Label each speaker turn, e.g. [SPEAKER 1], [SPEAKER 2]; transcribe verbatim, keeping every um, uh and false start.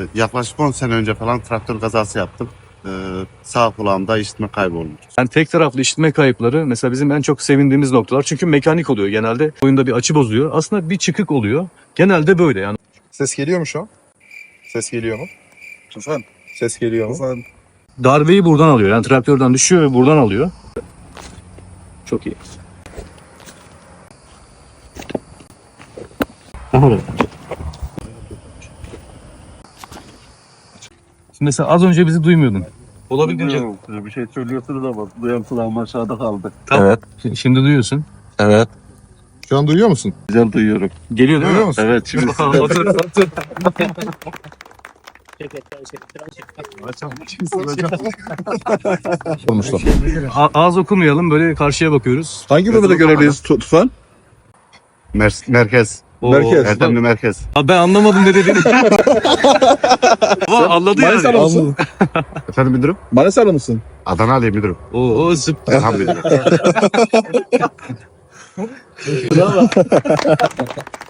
[SPEAKER 1] yaklaşık on sene önce falan traktör kazası yaptım. Ee, sağ kulağımda işitme kaybolmuş.
[SPEAKER 2] Yani tek taraflı işitme kayıpları mesela bizim en çok sevindiğimiz noktalar. Çünkü mekanik oluyor genelde. Oyunda bir açı bozuyor. Aslında bir çıkık oluyor. Genelde böyle yani.
[SPEAKER 3] Ses geliyor mu şu an? Ses geliyor mu? Tufan. Ses geliyor mu? Tufan.
[SPEAKER 2] Darbeyi buradan alıyor. Yani traktörden düşüyor ve buradan alıyor. Çok iyi. Şimdi mesela az önce bizi duymuyordun. Olabildiğince.
[SPEAKER 4] Bir şey söylüyorsunuz ama duyan kulağım aşağıda kaldı.
[SPEAKER 2] Tamam.
[SPEAKER 4] Evet.
[SPEAKER 2] Ş- Şimdi duyuyorsun.
[SPEAKER 4] Evet.
[SPEAKER 3] Şu an duyuyor musun?
[SPEAKER 4] Güzel duyuyorum.
[SPEAKER 2] Geliyor değil
[SPEAKER 3] Duyuyor
[SPEAKER 2] mi?
[SPEAKER 3] musun?
[SPEAKER 4] Evet şimdi size
[SPEAKER 2] Otur, otur.
[SPEAKER 3] Olmuşlar.
[SPEAKER 2] A- ağız okumayalım, böyle karşıya bakıyoruz.
[SPEAKER 3] Hangi bölümde görevliyiz Tu- Tufan?
[SPEAKER 1] Mer- merkez.
[SPEAKER 2] Oo.
[SPEAKER 3] Merkez.
[SPEAKER 1] Erdemli merkez.
[SPEAKER 2] Abi ben anlamadım ne dediğini. Ama anladı yani.
[SPEAKER 3] Manisa'lı mısın?
[SPEAKER 1] Efendim müdürüm?
[SPEAKER 3] Manisa'lı mısın?
[SPEAKER 1] Adana Ali müdürüm.
[SPEAKER 2] Oo, süper.
[SPEAKER 1] Elhamdülillah.